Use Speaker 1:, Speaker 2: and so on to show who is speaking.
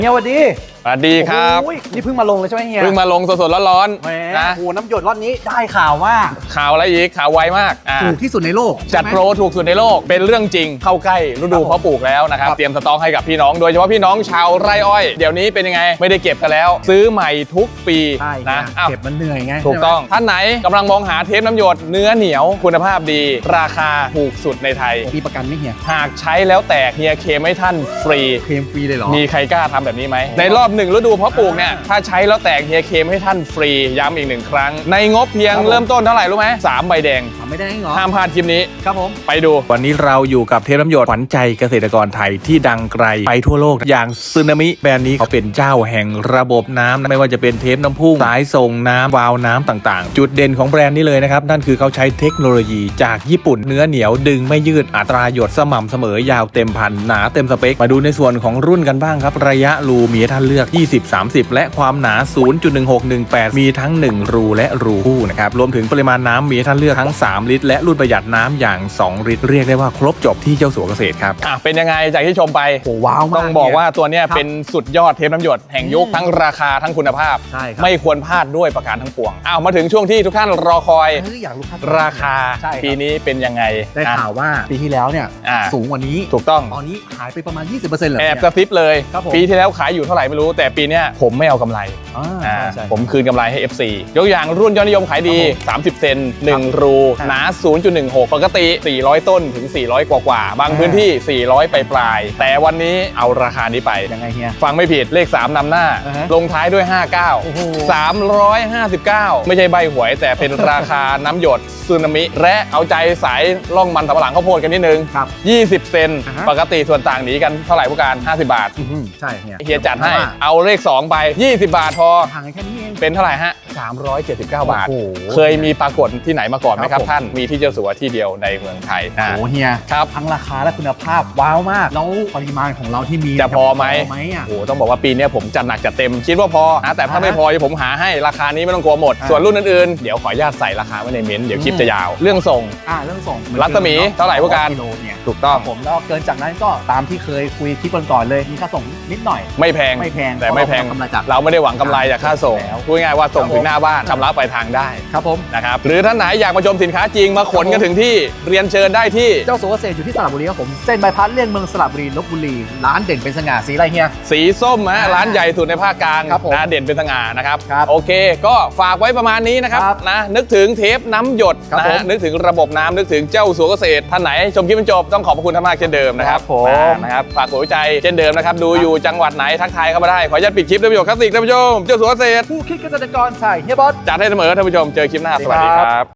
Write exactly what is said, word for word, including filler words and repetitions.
Speaker 1: เฮียสวัสดี
Speaker 2: สวัสดีครับ
Speaker 1: นี่เพิ่งมาลงเลยใช่ไหมเฮีย
Speaker 2: เพิ่งมาลงสดๆร้อนๆ
Speaker 1: นะโอ้น้ำหยดรอบนี้ได้ข่าวว่า
Speaker 2: ข่าวอะไรอีกข่าวไวมาก
Speaker 1: ถูกที่สุดในโลก
Speaker 2: จัดโปรถูกสุดในโลกเป็นเรื่องจริงเข้าใกล้ฤดูเพาะปลูกแล้วนะครับเตรียมสต็อกให้กับพี่น้องโดยเฉพาะพี่น้องชาวไร่อ้อยเดี๋ยวนี้เป็นยังไงไม่ได้เก็บกันแล้วซื้อใหม่ทุกปี
Speaker 1: นะเก็บมันเหนื่อยไง
Speaker 2: ถูกต้องท่านไหนกำลังมองหาเทปน้ำหยดเนื้อเหนียวคุณภาพดีราคาถูกสุดในไทย
Speaker 1: มีประกันไหมเฮีย
Speaker 2: หากใช้แล้วแตกเฮียเคลมให้ท่านฟรี
Speaker 1: เคลมฟรีเลยเหรอ
Speaker 2: มีใครกล้าทำแบบนี้ไหมในรอบหนึ่งฤดูเพาะปลูกเนี่ยถ้าใช้แล้วแตกเฮียเคลมให้ท่านฟรีย้ำอีกหนึ่งครั้งในงบเพียงเริ่มต้นเท่าไหร่รู้ไหมสามใบแดง
Speaker 1: สามใบแดงเหรอ
Speaker 2: ห้ามพลาดคลิปนี้
Speaker 1: ครับผม
Speaker 2: ไปดูวันนี้เราอยู่กับเทปน้ำหยดขวัญใจเกษตรกรไทยที่ดังไกลไปทั่วโลกอย่างซึนามิแบรนด์นี้เขาเป็นเจ้าแห่งระบบน้ำไม่ว่าจะเป็นเทปน้ำพุ่งสายส่งน้ำวาล์วน้ำต่างๆจุดเด่นของแบรนด์นี้เลยนะครับนั่นคือเขาใช้เทคโนโลยีจากญี่ปุ่นเนื้อเหนียวดึงไม่ยืดอัตราหยดสม่ำเสมอยาวเต็มพันหนาเต็มสเปคมาดูในส่วนของรุ่นกันบ้างครับระยะรูมีให้ท่านเลือกยี่สิบ สามสิบและความหนา ศูนย์จุดหนึ่งหกหนึ่งแปด มีทั้งหนึ่งรูและรูคู่นะครับรวมถึงปริมาณน้ำมีให้ท่านเลือกทั้งสามลิตรและรุ่นประหยัดน้ำอย่างสองลิตรเรียกได้ว่าครบจบที่เจ้าสัวเกษตรครับอ่ะเป็นยังไงจากที่ชมไป
Speaker 1: โอ้ว้าวมาก
Speaker 2: ต้องบอกว่าตัวเนี้ยเป็นสุดยอดเทปน้ำหยดแห่งยุคทั้งราคาทั้งคุณภาพ
Speaker 1: ใช่ครับ
Speaker 2: ไม่ควรพลาดด้วยประการทั้งปวงอ้าวมาถึงช่วงที่ทุกท่านรอคอย
Speaker 1: อยากรู้
Speaker 2: ราคาปีนี้เป็นยังไง
Speaker 1: ได้ข่าวว่าปีที่แล้วเนี่ยสูงกว่านี้
Speaker 2: ถูกต้อง
Speaker 1: ตอนนี้หายไปประมาณ ยี่สิบเปอร์เซ็นต์ เหรอ
Speaker 2: แอบกระซิบเลยปีที่แล้วขายอยู่เท่าไหร่ไม่รู้แต่ปีนี้ผมไม่เอากำไรผมคืนกำไรให้ เอฟ ซี ยกอย่างรุ่นยอดนิยมขายดีสามสิบเซนหนึ่งรูหนา ศูนย์จุดหนึ่งหก ปกติสี่ร้อยต้นถึงสี่ร้อยกว่าๆบางพื้นที่สี่ร้อยปลายๆแต่วันนี้เอาราคานี้ไป
Speaker 1: ยังไงเฮีย
Speaker 2: ฟังไม่ผิดเลขสามนำหน้าลงท้ายด้วยห้าสิบเก้า สามร้อยห้าสิบเก้าไม่ใช่ใบหวยแต่เป็นราคาน้ำหยดซึนามิและเอาใจสายล่องมันสำปะหลังข้าวโพดกันนิดนึงยี่สิบเซนปกติส่วนต่างหนีกันเท่าไหร่ผู้การห้าสิบบาท
Speaker 1: ใช่เฮีย
Speaker 2: เฮียจัดให้เอาเลขสองไปยี่สิบบาทพอ
Speaker 1: ห่างกันแค่นี้เอง
Speaker 2: เป็นเท่าไหร่ฮะสามร้อยเจ็ดสิบเก้าบาทเคยมีปรากฏที่ไหนมาก่อนไหมครับท่านมีที่เจ้าสัวที่เดียวในเมืองไทย
Speaker 1: โอ้เฮีย
Speaker 2: ครับ
Speaker 1: ทั้งราคาและคุณภาพว้าวมากแล้วปริมาณของเราที่มี
Speaker 2: จะพอไหมโอ้ต้องบอกว่าปีนี้ผมจัดหนักจัดเต็มคิดว่าพอนะแต่ถ้าไม่พอผมหาให้ราคานี้ไม่ต้องกลัวหมดส่วนรุ่นอื่นๆเดี๋ยวขออนุญาตใส่ราคาไว้ในเม้นต์เดี๋ยวคลิปจะยาวเรื่องส่ง
Speaker 1: อ่าเรื่องส่ง
Speaker 2: รัศมีเท่าไหร่ผู้การถูกต้อง
Speaker 1: ผมแล้วเกินจากนั้นก็ตามที่เคยคุยคลิปก่อนๆเลยมีค่าส่งนิดหน่อย
Speaker 2: ไม่แพง
Speaker 1: ไม่แพง
Speaker 2: แต่ไม่แพงเราไม่ได้หวังกำไรจากค่าส่งพูดง่ายว่าส่งถึงหน้าบ้านชำระปลายทางได้
Speaker 1: ครับผม
Speaker 2: นะครับหรือท่านไหนอยากมาชมสินค้าจริงมาขนกันถึงที่เรียนเชิญได้ที่
Speaker 1: เจ้าสัวเกษตรอยู่ที่สระบุรีครับผมเส้นบายพาสเลี่ยงเมืองสระบุรีลพบุรีร้านเด่นเป็นสง่าสีอะไรเฮีย
Speaker 2: สีส้มนะร้านใหญ่สุดในภาคกลางนะเด่นเป็นสง่านะครับโอเคก็ฝากไว้ประมาณนี้นะครับนะนึกถึงเทปน้ำหยดนะนึกถึงระบบน้ำนึกถึงเจ้าสัวเกษตรท่านไหนชมคลิปจนจบต้องขอบพระคุณท่านมากเช่นเดิมนะครับผมนะครับฝากหัวใจเช่นเดิมนะครับดูอยู่จังหวัดไหนทักทายเข้ามาได้ขออนุญาตปิดคลิปด้วยประโยชน์คลาสสิกท่านผู้ชมเจ้าสัวเกษตร
Speaker 1: ผู้คิดเกษตรกรใส่เฮียบอส
Speaker 2: จัดให้เสมอท่านผู้ชมเจอคลิปหน้าสวัสดีครับ